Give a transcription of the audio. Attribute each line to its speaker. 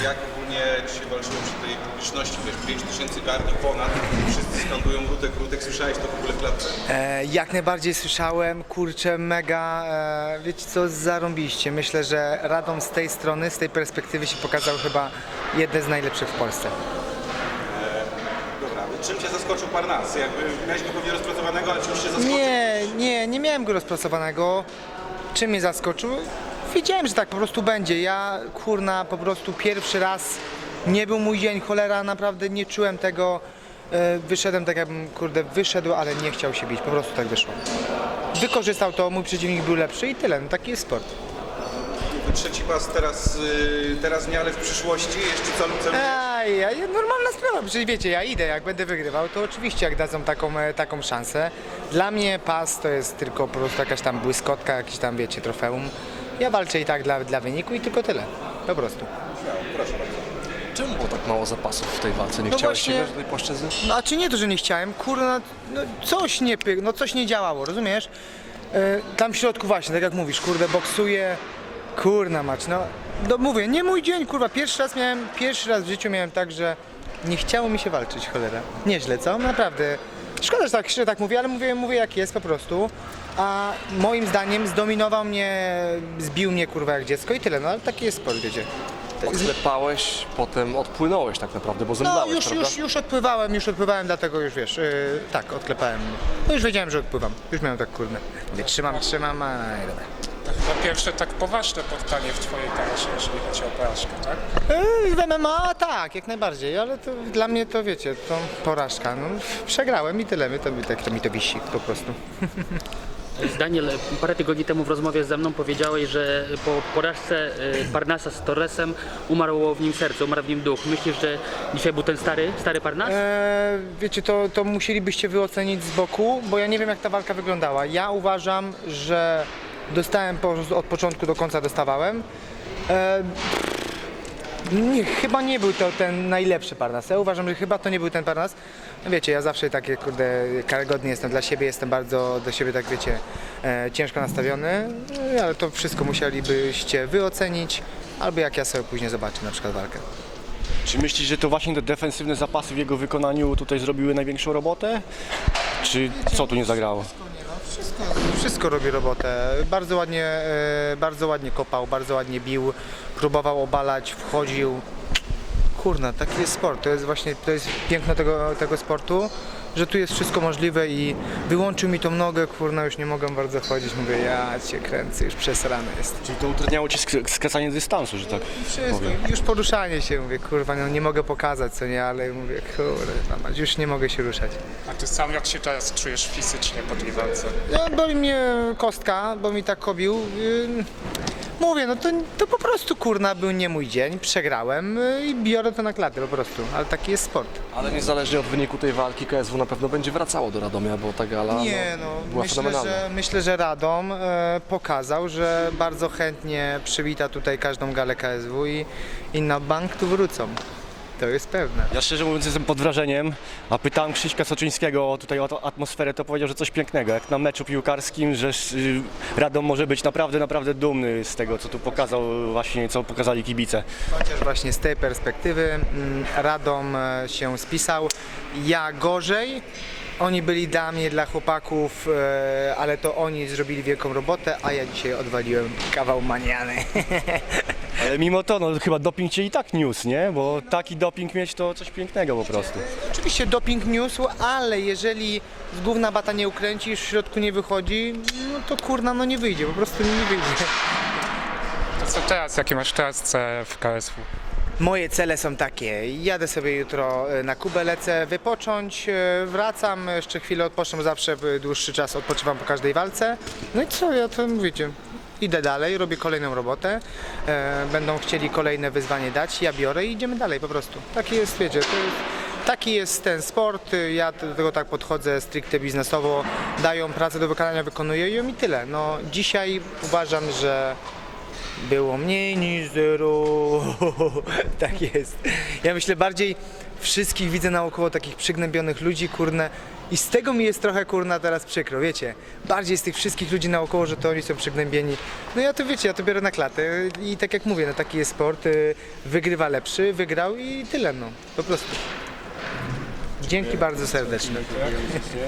Speaker 1: Jak ogólnie dzisiaj walczyło przy tej publiczności, wiesz, 5000 garni ponad, wszyscy skandują Rutek, słyszałeś to w ogóle w klatce?
Speaker 2: Jak najbardziej słyszałem, kurczę, mega, wiecie co, zarąbiście. Myślę, że Radom z tej strony, z tej perspektywy się pokazał chyba jeden z najlepszych w Polsce.
Speaker 1: Dobra, czym cię zaskoczył Parnas? Jakby miałeś go pewnie rozpracowanego, ale czymś cię zaskoczył?
Speaker 2: Nie miałem go rozpracowanego. Czym mnie zaskoczył? Wiedziałem, że tak po prostu będzie. Ja, kurna, po prostu pierwszy raz nie był mój dzień, cholera, naprawdę nie czułem tego. Wyszedłem tak jakbym, kurde, wyszedł, ale nie chciał się bić, po prostu tak wyszło. Wykorzystał to, mój przeciwnik był lepszy i tyle, no taki jest sport.
Speaker 1: Trzeci pas teraz nie, ale w przyszłości jeszcze co?
Speaker 2: Normalna sprawa, przecież wiecie, ja idę, jak będę wygrywał, to oczywiście jak dadzą taką szansę. Dla mnie pas to jest tylko po prostu jakaś tam błyskotka, jakiś tam, wiecie, trofeum. Ja walczę i tak dla wyniku i tylko tyle, po prostu.
Speaker 1: Proszę bardzo.
Speaker 3: Czemu było tak mało zapasów w tej walce? Nie
Speaker 2: No
Speaker 3: chciałeś
Speaker 2: właśnie-
Speaker 3: sięgać do tej płaszczyzny?
Speaker 2: No a czy nie to, że nie chciałem, kurna, no coś nie coś nie działało, rozumiesz? Tam w środku właśnie, tak jak mówisz, kurde, boksuję, kurna mać, no mówię, nie mój dzień, kurwa, pierwszy raz w życiu miałem tak, że nie chciało mi się walczyć, cholera. Nieźle, co? Naprawdę. Szkoda, że tak mówię, ale mówię jak jest po prostu. A moim zdaniem zdominował mnie, zbił mnie, kurwa, jak dziecko i tyle, no ale taki jest sport, wiecie.
Speaker 3: Odklepałeś, potem odpłynąłeś tak naprawdę, bo
Speaker 2: No
Speaker 3: zemdlałeś, prawda?
Speaker 2: już odpływałem, dlatego już wiesz, tak, odklepałem. No już wiedziałem, że odpływam. Już miałem tak, kurde. Mówię, trzymam, a dobra.
Speaker 4: To chyba pierwsze tak poważne spotkanie w twojej karierze, jeżeli chodzi o porażkę, tak?
Speaker 2: W MMA tak, jak najbardziej, ale to dla mnie to wiecie, to porażka. No, przegrałem i tyle, to mi to wisi po prostu.
Speaker 5: Daniel, parę tygodni temu w rozmowie ze mną powiedziałeś, że po porażce Parnasa z Torresem umarło w nim serce, umarł w nim duch. Myślisz, że dzisiaj był ten stary Parnas?
Speaker 2: Wiecie, to musielibyście wyocenić z boku, bo ja nie wiem jak ta walka wyglądała. Ja uważam, że dostałem od początku do końca dostawałem. Chyba nie był to ten najlepszy Parnas. Ja uważam, że chyba to nie był ten Parnas. No wiecie, ja zawsze takie, kurde, karygodny jestem dla siebie, jestem bardzo do siebie, tak wiecie, ciężko nastawiony, ale to wszystko musielibyście wyocenić, albo jak ja sobie później zobaczę na przykład walkę.
Speaker 6: Czy myślisz, że to właśnie te defensywne zapasy w jego wykonaniu tutaj zrobiły największą robotę? Czy co tu nie zagrało?
Speaker 2: Wszystko robi robotę. Bardzo ładnie kopał, bardzo ładnie bił, próbował obalać, wchodził. Kurna, taki jest sport. To jest piękno tego sportu, że tu jest wszystko możliwe i wyłączył mi tą nogę, kurna, już nie mogę bardzo chodzić. Mówię, ja cię kręcę, już przesrane jest.
Speaker 6: Czyli to utrudniało ci skracanie dystansu, że tak
Speaker 2: Wszystko,
Speaker 6: powiem.
Speaker 2: już poruszanie się, mówię, kurwa, no nie mogę pokazać, co nie, ale mówię, kurwa, już nie mogę się ruszać.
Speaker 4: A ty sam jak się teraz czujesz fizycznie po tej walce?
Speaker 2: Boli mnie kostka, bo mi tak kobił. Mówię, no to po prostu, kurna, był nie mój dzień, przegrałem i biorę to na klatę po prostu, ale taki jest sport.
Speaker 3: Ale niezależnie od wyniku tej walki KSW na pewno będzie wracało do Radomia, bo ta gala była fenomenalna.
Speaker 2: Myślę, że Radom pokazał, że bardzo chętnie przywita tutaj każdą galę KSW i na bank tu wrócą. To jest pewne.
Speaker 6: Ja szczerze mówiąc jestem pod wrażeniem, a pytałem Krzyśka Soczyńskiego tutaj o tą atmosferę, to powiedział, że coś pięknego, jak na meczu piłkarskim, że Radom może być naprawdę dumny z tego, co tu pokazał właśnie, co pokazali kibice.
Speaker 2: Chociaż właśnie z tej perspektywy Radom się spisał. Ja gorzej. Oni byli dla mnie, dla chłopaków, ale to oni zrobili wielką robotę, a ja dzisiaj odwaliłem kawał maniany.
Speaker 6: Ale mimo to, no chyba doping cię i tak niósł, nie? Bo taki doping mieć to coś pięknego po prostu.
Speaker 2: Oczywiście doping niósł, ale jeżeli z gówna bata nie ukręcisz, w środku nie wychodzi, no to kurna, no nie wyjdzie, po prostu nie wyjdzie.
Speaker 4: To co teraz, jakie masz teraz cele w KSW?
Speaker 2: Moje cele są takie, jadę sobie jutro na Kubę, lecę wypocząć, wracam, jeszcze chwilę odpocznę, bo zawsze dłuższy czas odpoczywam po każdej walce. No i co, ja to mówicie, idę dalej, robię kolejną robotę, będą chcieli kolejne wyzwanie dać, ja biorę i idziemy dalej po prostu. Taki jest, wiecie, taki jest ten sport, ja do tego tak podchodzę stricte biznesowo, dają pracę do wykonania, wykonuję ją i tyle. No dzisiaj uważam, że było mniej niż zero. Tak jest. Ja myślę bardziej wszystkich widzę naokoło takich przygnębionych ludzi, kurne. I z tego mi jest trochę kurna teraz przykro, wiecie. Bardziej z tych wszystkich ludzi naokoło, że to oni są przygnębieni. No ja to wiecie, ja to biorę na klatę i tak jak mówię, no taki jest sport, wygrywa lepszy, wygrał i tyle no, po prostu. Dzięki bardzo serdecznie.